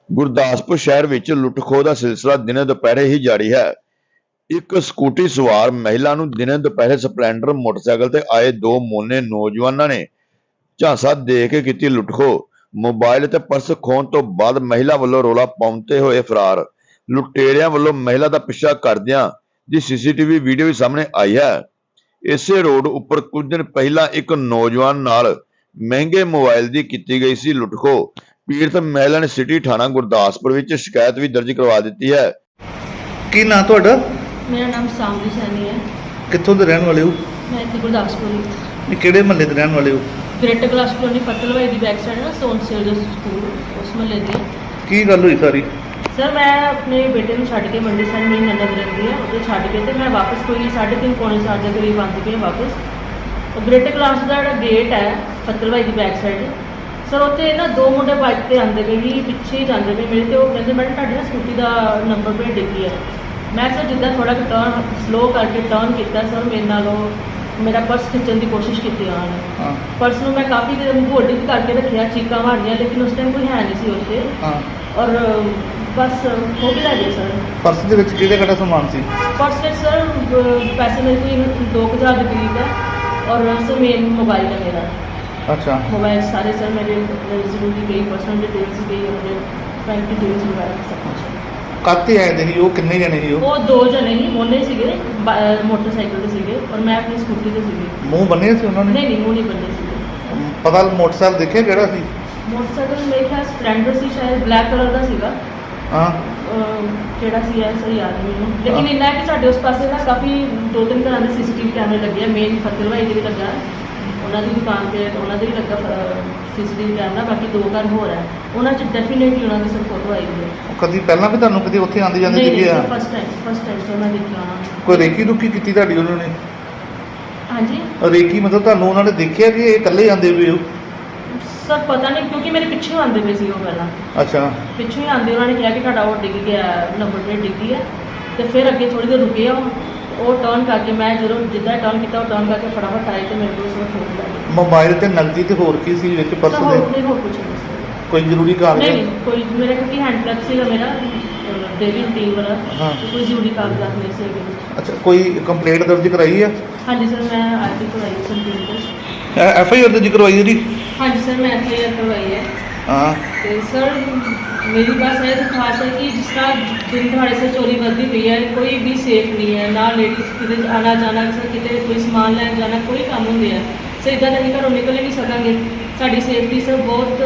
ਗੁਰਦਾਸਪੁਰ ਸ਼ਹਿਰ ਵਿੱਚ ਲੁੱਟ-ਖੋਹ ਦਾ ਸਿਲਸਿਲਾ ਦਿਨੇ ਦੁਪਹਿਰੇ ਹੀ ਜਾਰੀ ਹੈ। ਇੱਕ ਸਕੂਟੀ ਸਵਾਰ ਮਹਿਲਾ ਨੂੰ ਦਿਨੇ ਦੁਪਹਿਰੇ ਸਪਲੈਂਡਰ ਮੋਟਰਸਾਈਕਲ ਤੇ ਆਏ ਦੋ ਮੋਨੇ ਨੌਜਵਾਨਾਂ ਨੇ ਝਾਂਸਾ ਦੇ ਕੇ ਕੀਤੀ ਲੁੱਟ-ਖੋਹ। ਮੋਬਾਈਲ ਤੇ ਪਰਸ ਖੋਹਣ ਤੋਂ ਬਾਅਦ ਮਹਿਲਾ ਵੱਲੋਂ ਰੌਲਾ ਪਾਉਂਦੇ ਹੋਏ ਫਰਾਰ। ਲੁਟੇਰਿਆਂ ਵੱਲੋਂ ਮਹਿਲਾ ਦਾ ਪਿੱਛਾ ਕਰਦਿਆਂ ਦੀ ਸੀਸੀਟੀਵੀ ਵੀਡੀਓ ਵੀ ਸਾਹਮਣੇ ਆਈ ਹੈ। ਇਸੇ ਰੋਡ ਉੱਪਰ ਕੁਝ ਦਿਨ ਪਹਿਲਾਂ ਇੱਕ ਨੌਜਵਾਨ ਨਾਲ ਮਹਿੰਗੇ ਮੋਬਾਈਲ ਦੀ ਕੀਤੀ ਗਈ ਸੀ ਲੁੱਟ-ਖੋਹ। ਪੀੜਤ ਮਹਿਲਾ ਨੇ ਸਿਟੀ ਥਾਣਾ ਗੁਰਦਾਸਪੁਰ ਵਿੱਚ ਸ਼ਿਕਾਇਤ ਵੀ ਦਰਜ ਕਰਵਾ ਦਿੱਤੀ ਹੈ। ਕੀ ਨਾਂ ਤੁਹਾਡਾ? मेरा नाम सामरी सैनी है। ਕਿੱਥੋਂ ਦੇ ਰਹਿਣ ਵਾਲੇ ਹੋ? मैं इतने गुरदासपुर ਇਹ ਕਿਹੜੇ ਮਹੱਲੇ ਦੇ ਰਹਿਣ ਵਾਲੇ ਹੋ? ग्रेटर क्लास कॉलोनी फतलवाई की बैक साइड ना सोन सेल जो स्कूल उस महल्ले की। ਕੀ ਗੱਲ ਹੋਈ ਸਾਰੀ? सर मैं अपने बेटे को छड्ड के मंडी साइड मेरी ननद रहती है उसे छड्ड के तो मैं वापस कोई 3:30 पौने 7 के करीब आती पई वापस। और ग्रेटर क्लास का जो गेट है फतलवाई की बैक साइड सर उत्थे ना दो मुंडे बाइक ते आंदे पे ही पिछे ही जांदे पे मेरे ते वो कहंदे मैडम तुहाडी ना स्कूटी का नंबर प्लेट डिग्गी है। मैं सर जिद्दां थोड़ा टर्न स्लो करके टर्न किया सर मेरे नाल मेरा पर्स खिंचण की कोशिश की उन्होंने। पर्स में मैं काफ़ी देर होल्ड भी करके रखा चीका मारिया लेकिन उस टाइम कोई है नहीं सी उत्थे। और बस हो भी लगे सर। ਪਰਸ ਦੇ ਵਿੱਚ ਕਿਹੜਾ ਸਮਾਨ ਸੀ? पर्स में सर पैसे मेरे कोई 2000 के करीब है और सर मेन मोबाइल है मेरा। ਅੱਛਾ। मोबाइल सारे सर मेरे ज़रूरी गई पर्सनल डिटेल्स गई अपने बैंक डिटेल्स वगैरह सब कुछ। ਕਾਤੇ ਆਏ ਦੇ ਸੀ ਉਹ? ਕਿੰਨੇ ਜਣੇ ਸੀ ਉਹ? वो दो जने ही मोने सीगे मोटरसाइकिल ते सीगे और मैं अपनी स्कूटी ते सीगी। ਮੂੰਹ ਬੰਨੇ ਸੀ ਉਹਨਾਂ ਨੇ? नहीं नहीं मुँह नहीं बंदे सीगे। ਪਤਾ ਮੋਟਰਸਾਈਕਲ ਦੇਖਿਆ ਕਿਹੜਾ ਸੀ? मोटरसाइकिल मेरे ख्याल स्प्लेंडर सी शायद ब्लैक कलर का सीगा। ਹਾਂ। ਜਿਹੜਾ ਸੀ ਐ ਸਹੀ ਯਾਦ ਨਹੀਂ ਮੈਨੂੰ ਲੇਕਿਨ ਇੰਨਾ ਕਿ ਸਾਡੇ ਉਸ ਪਾਸੇ ਨਾ ਕਾਫੀ 2-3 ਤਰ੍ਹਾਂ ਦੇ ਸੀਸੀਟੀਵੀ ਕੈਮਰੇ ਲੱਗੇ ਆ। ਮੇਨ ਫਤਲਵਾਈ ਦੇ ਵੀ ਲੱਗਾ ਉਹਨਾਂ ਦੀ ਦੁਕਾਨ ਤੇ ਉਹਨਾਂ ਦੇ ਵੀ ਲੱਗਾ ਸੀਸੀਟੀਵੀ ਕੈਮਰਾ। ਬਾਕੀ 2 ਘਰ ਹੋਰ ਹੈ ਉਹਨਾਂ 'ਚ ਡੈਫੀਨੇਟਲੀ ਉਹਨਾਂ ਦੀ ਸਰ ਫੋਟੋ ਆਈ ਹੋਈ ਹੈ। ਕਦੀ ਪਹਿਲਾਂ ਵੀ ਤੁਹਾਨੂੰ ਕਦੀ ਉੱਥੇ ਆਂਦੇ ਜਾਂਦੇ ਦਿਖੇ ਆ? ਫਸਟ ਟਾਈਮ ਸਰ ਮੈਂ ਦੇਖਿਆ ਉਹਨਾਂ ਨੂੰ। ਕੋਈ ਰੇਕੀ ਰੁਕੀ ਕੀਤੀ ਤੁਹਾਡੀ ਉਹਨਾਂ ਨੇ? ਹਾਂਜੀ ਰੇਕੀ ਮਤਲਬ ਤੁਹਾਨੂੰ ਉਹਨਾਂ ਨੇ ਦੇਖਿਆ ਕਿ ਇਹ ਇਕੱਲੇ ਜਾਂਦੇ ਹੋਏ ਹੋ? ਸਰ ਪਤਾ ਨਹੀਂ ਕਿਉਂਕਿ ਮੇਰੇ ਪਿੱਛੇ ਆਉਂਦੇ ਪਏ ਸੀ ਉਹ ਪਹਿਲਾਂ। ਅੱਛਾ। ਪਿੱਛੋਂ ਹੀ ਆਉਂਦੇ ਉਹਨਾਂ ਨੇ ਕਿਹਾ ਕਿ ਤੁਹਾਡਾ ਉਹ ਡਿੱਗ ਗਿਆ ਨੰਬਰ ਪਲੇਟ ਡਿੱਗੀ ਹੈ। ਤੇ ਫਿਰ ਅੱਗੇ ਥੋੜੀ ਦੇਰ ਰੁਕੇ ਉਹ ਟਰਨ ਕਰਕੇ ਮੈਂ ਜਦੋਂ ਜਿੱਦਾਂ ਟਰਨ ਕੀਤਾ ਉਹ ਟਰਨ ਕਰਕੇ ਫਟਾਫਟ ਆਏ ਤੇ ਮੇਰੇ ਕੋਲ ਸਭ ਫੋਨ ਲੱਗ ਗਿਆ। ਮੋਬਾਈਲ ਤੇ ਨਕਦੀ ਤੇ ਹੋਰ ਕੀ ਸੀ ਵਿੱਚ ਪਰਸ ਦੇ? ਹੋਰ ਕੁਝ ਨਹੀਂ ਸੀ। ਕੋਈ ਜ਼ਰੂਰੀ ਕਾਗਜ਼? ਨਹੀਂ ਕੋਈ ਮੇਰਾ ਕਿਉਂਕਿ ਹੈਂਡ ਪਲੱਗ ਸੀਗਾ ਮੇਰਾ ਡੇਲੀ ਰੂਟੀਨ ਵਾਲਾ। ਹਾਂ। ਕੋਈ ਜ਼ਰੂਰੀ ਕਾਗਜ਼ਾਤ ਨਹੀਂ ਸੀ ਇਹਦੇ ਵਿੱਚ। ਅੱਛਾ। ਕੋਈ ਕੰਪਲੇਂਟ ਦਰਜ ਕਰਾਈ ਹੈ? ਹਾਂਜੀ ਸਰ ਮੈਂ ਅੱਜ ਹੀ ਕਰਵਾਈ ਕੰਪਿਊਟਰ। ਐਫ ਆਈ ਆਰ ਦਰਜ ਕਰਵਾਈ ਇਹਦੀ? ਹਾਂਜੀ ਸਰ ਮੈਂ FIR ਕਰਵਾਈ ਹੈ। ਹਾਂ। ਤੇ ਸਰ मेरी बस ये खास है कि जिस तरह दिन दिहाड़े से चोरी बढ़ती पई है कोई भी सेफ नहीं है ना लेडीज़ कि आना जाना कितने कोई समान लैन जाना कोई काम होंगे है सर इदा नहीं घरों निकल नहीं सकेंगे। साड़ी सेफ्टी सर बहुत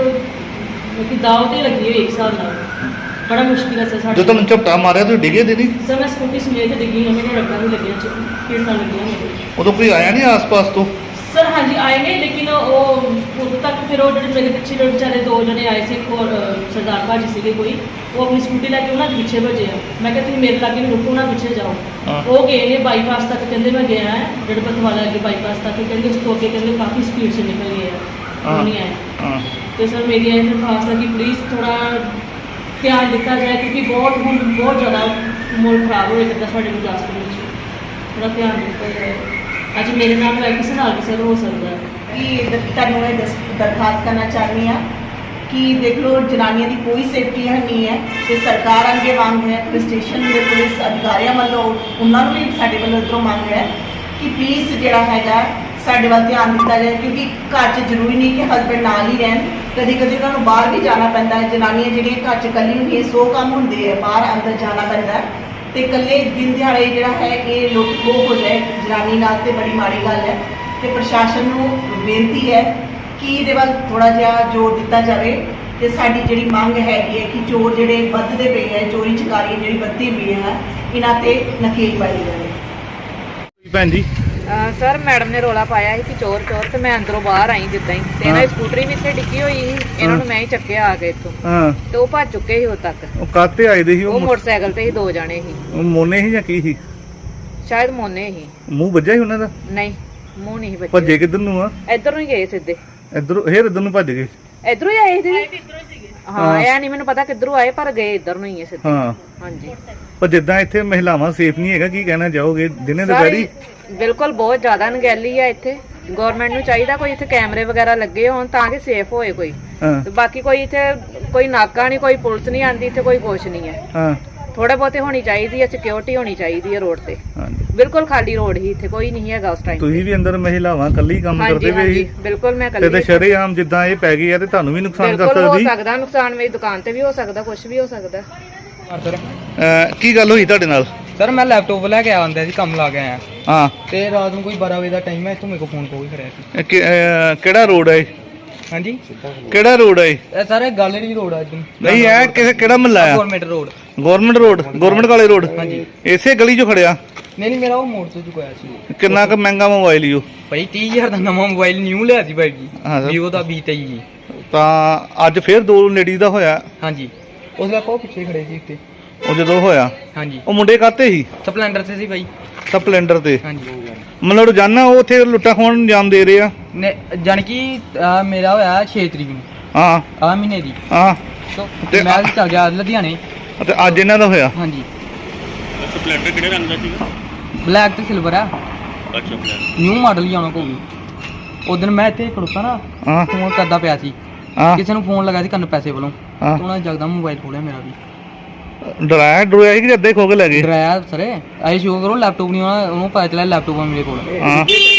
दाव ते लगी हुई एक हिसाब नाल बड़ा मुश्किल है सर। जो तुम झपटा मारिया तो डिगे दी नहीं? सर मैं स्कूटी समेत डिगी हूँ मेरे रगड़ा भी लगे पीड़सा लगी मेरे। उदों कोई आया नहीं आस पास तो? सर हाँ जी आए नहीं लेकिन उदों तक फिर वो मेरे पिछले बेचारे 2 जने आए थे। एक और सरदार भाजी से कोई वो अपनी स्कूटी लैके उन्होंने पिछे भजे आ। मैं कहती मेरे लागे नहीं रुको ना पिछे जाओ। वो गए ने बाईपास तक कहते मैं गया है गढ़पत वाला अगे बाईपास तक कहते उस तो अगे कहते काफ़ी स्पीड से निकल गए हैं नहीं आए। तो सर मेरी यही दरखास्त है कि प्लीज़ थोड़ा ध्यान दिता जाए क्योंकि बहुत ज़्यादा माहौल खराब हो जाता साढ़े गुरदासपुर में। थोड़ा ध्यान दिता जाए। ਅੱਜ ਮੇਰੇ ਨਾਲ ਹੋਇਆ ਕਿਸੇ ਨਾਲ ਵੀ ਸਰ ਹੋ ਸਕਦਾ ਹੈ ਕਿ ਤੁਹਾਨੂੰ ਇਹ ਦਰਖਾਸਤ ਕਰਨਾ ਚਾਹੁੰਦੀ ਹਾਂ ਕਿ ਦੇਖ ਲਓ ਜਨਾਨੀਆਂ ਦੀ ਕੋਈ ਸੇਫਟੀ ਨਹੀਂ ਹੈ ਤੇ ਸਰਕਾਰ ਅੱਗੇ ਮੰਗ ਹੈ ਪੁਲਿਸ ਸਟੇਸ਼ਨ ਦੇ ਪੁਲਿਸ ਅਧਿਕਾਰੀਆਂ ਵੱਲੋਂ ਉਹਨਾਂ ਨੂੰ ਵੀ ਸਾਡੇ ਵੱਲੋਂ ਇੱਧਰੋਂ ਮੰਗ ਹੈ ਕਿ ਪਲੀਜ਼ ਜਿਹੜਾ ਹੈਗਾ ਸਾਡੇ ਵੱਲ ਧਿਆਨ ਦਿੱਤਾ ਜਾਏ ਕਿਉਂਕਿ ਘਰ 'ਚ ਜ਼ਰੂਰੀ ਨਹੀਂ ਕਿ ਹਸਬੈਂਡ ਨਾਲ ਹੀ ਰਹਿਣ। ਕਦੀ ਕਦੀ ਉਹਨਾਂ ਨੂੰ ਬਾਹਰ ਵੀ ਜਾਣਾ ਪੈਂਦਾ ਹੈ। ਜਨਾਨੀਆਂ ਜਿਹੜੀਆਂ ਘਰ 'ਚ ਇਕੱਲੀ ਹੁੰਦੀਆਂ 100 ਕੰਮ ਹੁੰਦੇ ਆ ਬਾਹਰ ਅੰਦਰ ਜਾਣਾ ਪੈਂਦਾ ਹੈ ਤੇ ਇਕੱਲੇ ਦਿਨ ਦਿਹਾੜੇ ਜਿਹੜਾ ਹੈ ਇਹ ਲੁੱਟ ਖੋਹ ਹੋ ਜਾਏ ਜਨਾਨੀ ਨਾਲ ਤੇ ਬੜੀ ਮਾੜੀ ਗੱਲ ਹੈ। ਤੇ ਪ੍ਰਸ਼ਾਸਨ ਨੂੰ ਬੇਨਤੀ ਹੈ ਕਿ ਇਹਦੇ ਵੱਲ ਥੋੜਾ ਜਿਹਾ ਜ਼ੋਰ ਦਿੱਤਾ ਜਾਵੇ ਤੇ ਸਾਡੀ ਜਿਹੜੀ ਮੰਗ ਹੈਗੀ ਹੈ ਕਿ ਚੋਰ ਜਿਹੜੇ ਵੱਧਦੇ ਪਏ ਹੈ ਚੋਰੀ ਚਕਾਰੀ ਜਿਹੜੀ ਵੱਧਦੀ ਪਈ ਹੈ ਇਹਨਾਂ ਤੇ ਨਕੇਲ ਪਾਈ ਜਾਵੇ। ਭੈਣ ਜੀ ਸਰ ਮੈਡਮ ਨੇ ਰੋਲਾ ਪਾਇਆ ਸੀ ਕਿ ਚੋਰ ਚੋਰ ਤੇ ਮੈਂ ਅੰਦਰੋਂ ਬਾਹਰ ਆਈ ਜਿੱਦਾਂ ਹੀ ਤੇ ਇਹਨਾਂ ਦੀ ਸਕੂਟਰੀ ਵੀ ਇੱਥੇ ਡਿੱਗੀ ਹੋਈ ਸੀ। ਇਹਨਾਂ ਨੂੰ ਮੈਂ ਹੀ ਚੱਕਿਆ ਆ ਕੇ ਇੱਥੋਂ। ਹਾਂ। ਤੇ ਉਹ ਭੱਜ ਚੁੱਕੇ ਸੀ ਉਦੋਂ ਤੱਕ। ਉਹ ਕਾਤੇ ਆਏ ਦੇ ਸੀ? ਉਹ ਮੋਟਰਸਾਈਕਲ ਤੇ ਹੀ 2 ਜਾਣੇ ਸੀ। ਉਹ ਮੋਨੇ ਸੀ ਜਾਂ ਕੀ ਸੀ? ਸ਼ਾਇਦ ਮੋਨੇ ਸੀ। ਮੂੰਹ ਵੱਜਿਆ ਸੀ ਉਹਨਾਂ ਦਾ? ਨਹੀਂ ਮੂੰਹ ਨਹੀਂ ਭੱਜੇ ਬੱਚੇ। ਕਿੱਧਰ ਨੂੰ ਆ? ਇੱਧਰ ਨੂੰ ਹੀ ਗਏ ਸਿੱਧੇ। ਇੱਧਰੋਂ ਇੱਧਰ ਨੂੰ ਭੱਜ ਗਏ? ਇੱਧਰੋਂ ਹੀ ਆਏ ਸੀ। ਹਾਂ ਇਹ ਨਹੀਂ ਮੈਨੂੰ ਪਤਾ ਕਿੱਧਰੋਂ ਆਏ ਪਰ ਗਏ ਇੱਧਰ ਨੂੰ ਹੀ ਸਿੱਧੇ। ਹਾਂ। ਹਾਂਜੀ। ਪਰ ਜਿੱਦਾਂ ਇੱਥੇ ਮਹਿਲਾਵਾਂ ਸੇਫ ਨਹੀਂ ਹੈਗਾ ਕੀ ਕਹਿਣਾ ਚਾਹੋਗੇ ਦਿਨੇ ਦੁਪਹਿਰੀ? ਬਿਲਕੁਲ ਬਹੁਤ ਜ਼ਿਆਦਾ ਅਣਗਹਿਲੀ ਆ ਇੱਥੇ। ਗਵਰਨਮੈਂਟ ਨੂੰ ਚਾਹੀਦਾ ਕੋਈ ਇੱਥੇ ਕੈਮਰੇ ਵਗੈਰਾ ਲੱਗੇ ਹੋਣ ਤਾਂ ਕਿ ਸੇਫ ਹੋਏ ਕੋਈ। ਹਾਂ ਤੇ ਬਾਕੀ ਕੋਈ ਇੱਥੇ ਕੋਈ ਨਾਕਾ ਨਹੀਂ, ਕੋਈ ਪੁਲਿਸ ਨਹੀਂ ਆਂਦੀ ਇੱਥੇ, ਕੋਈ ਕੁਛ ਨਹੀਂ ਹੈ। ਹਾਂ ਥੋੜਾ ਬਹੁਤੇ ਹੋਣੀ ਚਾਹੀਦੀ ਹੈ, ਸਿਕਿਉਰਿਟੀ ਹੋਣੀ ਚਾਹੀਦੀ ਹੈ ਰੋਡ ਤੇ। ਹਾਂਜੀ। ਬਿਲਕੁਲ ਖਾਲੀ ਰੋਡ ਹੀ, ਇੱਥੇ ਕੋਈ ਨਹੀਂ ਹੈਗਾ ਉਸ ਟਾਈਮ। ਤੁਸੀਂ ਵੀ ਅੰਦਰ ਮਹਿਲਾਵਾਂ ਕੱਲੀ ਕੰਮ ਕਰਦੇ ਪਏ ਸੀ ਬਿਲਕੁਲ ਮੈਂ ਤੇ ਕੱਲੀ। ਸ਼ਰੇਆਮ ਜਿੱਦਾਂ ਇਹ ਪੈ ਗਈ ਆ ਤੇ ਤੁਹਾਨੂੰ ਵੀ ਨੁਕਸਾਨ ਕਰ ਬਿਲਕੁਲ ਹੋ ਸਕਦੀ। ਸਕਦਾ ਨੁਕਸਾਨ, ਮੇਰੀ ਦੁਕਾਨ ਤੇ ਵੀ ਹੋ ਸਕਦਾ, ਕੁਝ ਵੀ ਹੋ ਸਕਦਾ। ਸਰ ਕੀ ਗੱਲ ਹੋਈ ਤੁਹਾਡੇ ਨਾਲ? ਸਰ ਮੈਂ ਲੈਪਟਾਪ ਲੈ ਕੇ ਆਉਂਦਾ ਸੀ, ਕੰਮ ਲਾ ਕੇ ਆਇਆ ਹਾਂ ਤੇ ਰਾਤ ਨੂੰ ਕੋਈ 12 ਵਜੇ ਦਾ ਟਾਈਮ ਹੈ, ਇੱਥੋਂ ਮੇਰੇ ਕੋਲ ਫੋਨ ਕੋਈ ਕਰਿਆ ਸੀ। ਕਿਹੜਾ ਰੋਡ ਹੈ ਇਹ? ਹਾਂਜੀ ਕਿਹੜਾ ਰੋਡ ਹੈ ਇਹ? ਇਹ ਸਾਰੇ ਗੈਲਰੀ ਰੋਡ ਆ ਜੀ। ਨਹੀਂ ਇਹ ਕਿਹੜਾ ਮਹੱਲਾ ਆ? Government road. ਗਵਰਨਮੈਂਟ ਕਾਲੇ ਰੋਡ। ਹਾਂਜੀ। ਇਸੇ ਗਲੀ 'ਚੋਂ ਖੜਿਆ? ਨਹੀਂ ਮੇਰਾ ਉਹ ਮੋੜ ਤੋਂ ਚੁਕਾਇਆ ਸੀ। ਕਿੰਨਾ ਕੁ ਮਹਿੰਗਾ ਮੋਬਾਈਲ ਈ ਉਹ? ਭਾਈ 30,000 ਦਾ ਨਵਾਂ ਮੋਬਾਈਲ ਨਿਊ ਲਿਆ ਸੀ ਭਾਈ ਜੀ, ਹਾਂ ਸਰ। Vivo ਦਾ V23 ਜੀ। ਤਾਂ ਅੱਜ ਫੇਰ 2 ਲੇਡੀਜ਼ ਦਾ ਹੋਇਆ। ਹਾਂਜੀ ਉਸ ਦਾ ਕੋ ਪਿੱਛੇ ਖੜੇ ਸੀ ਉੱਤੇ। ਉਹ ਜਦੋਂ ਹੋਇਆ ਹਾਂਜੀ ਉਹ ਮੁੰਡੇ ਕਾਤੇ ਸੀ? ਸਪਲੈਂਡਰ ਤੇ ਸੀ ਭਾਈ। ਸਪਲੈਂਡਰ ਤੇ। ਹਾਂਜੀ ਮਤਲਬ ਰੋਜ਼ਾਨਾ ਉਹ ਉੱਥੇ ਲੁੱਟਾਂ ਖੋਹਣ ਨੂੰ ਅੰਜਾਮ ਦੇ ਰਹੇ ਆ? ਜਾਣੀ ਕਿ ਮੇਰਾ ਹੋਇਆ 6 ਤਰੀਕ ਨੂੰ ਹਾਂ ਆ ਮਹੀਨੇ ਦੀ। ਹਾਂ ਤੇ ਮੈਂ ਚੱਲ ਗਿਆ ਲੁਧਿਆਣੇ। ਤੇ ਅੱਜ ਇਹਨਾਂ ਦਾ ਹੋਇਆ? ਹਾਂਜੀ ਸਪਲੈਂਡਰ ਕਿਹੜੇ ਰੰਗ ਦਾ ਸੀਗਾ? ਬਲੈਕ ਤੇ ਸਿਲਵਰ ਆ, ਅੱਛਾ ਬਲੈਕ। ਨਿਊ ਮਾਡਲ ਹੀ ਆਉਣਾ ਕੋਈ। ਉਦੋਂ ਮੈਂ ਇੱਥੇ ਖੜੋਤਾ ਨਾ, ਹਾਂ ਫੋਨ ਕਰਦਾ ਪਿਆ ਸੀ, ਹਾਂ ਕਿਸੇ ਨੂੰ ਫੋਨ ਲਗਾ ਸੀ ਕੰਨ ਪੈਸੇ ਵੱਲੋਂ। ਹਾਂ। ਉਹਨਾਂ ਨੇ ਜਗਦਾ ਮੋਬਾਈਲ ਖੋਲਿਆ ਮੇਰਾ ਵੀ। ਡਰਾਇਆ ਸੀ ਕਿ ਏਦਾਂ ਹੀ ਖੋ ਕੇ ਲੈ ਗਏ? ਡਰਾਇਆ ਸਰ, ਆਏ ਸ਼ੋ ਕਰੋ ਲੈਪਟਾਪ ਨਹੀਂ ਆਉਣਾ, ਉਹਨੂੰ ਪਤਾ ਚੱਲਿਆ ਲੈਪਟਾਪ ਆ ਮੇਰੇ ਕੋਲ। ਹਾਂ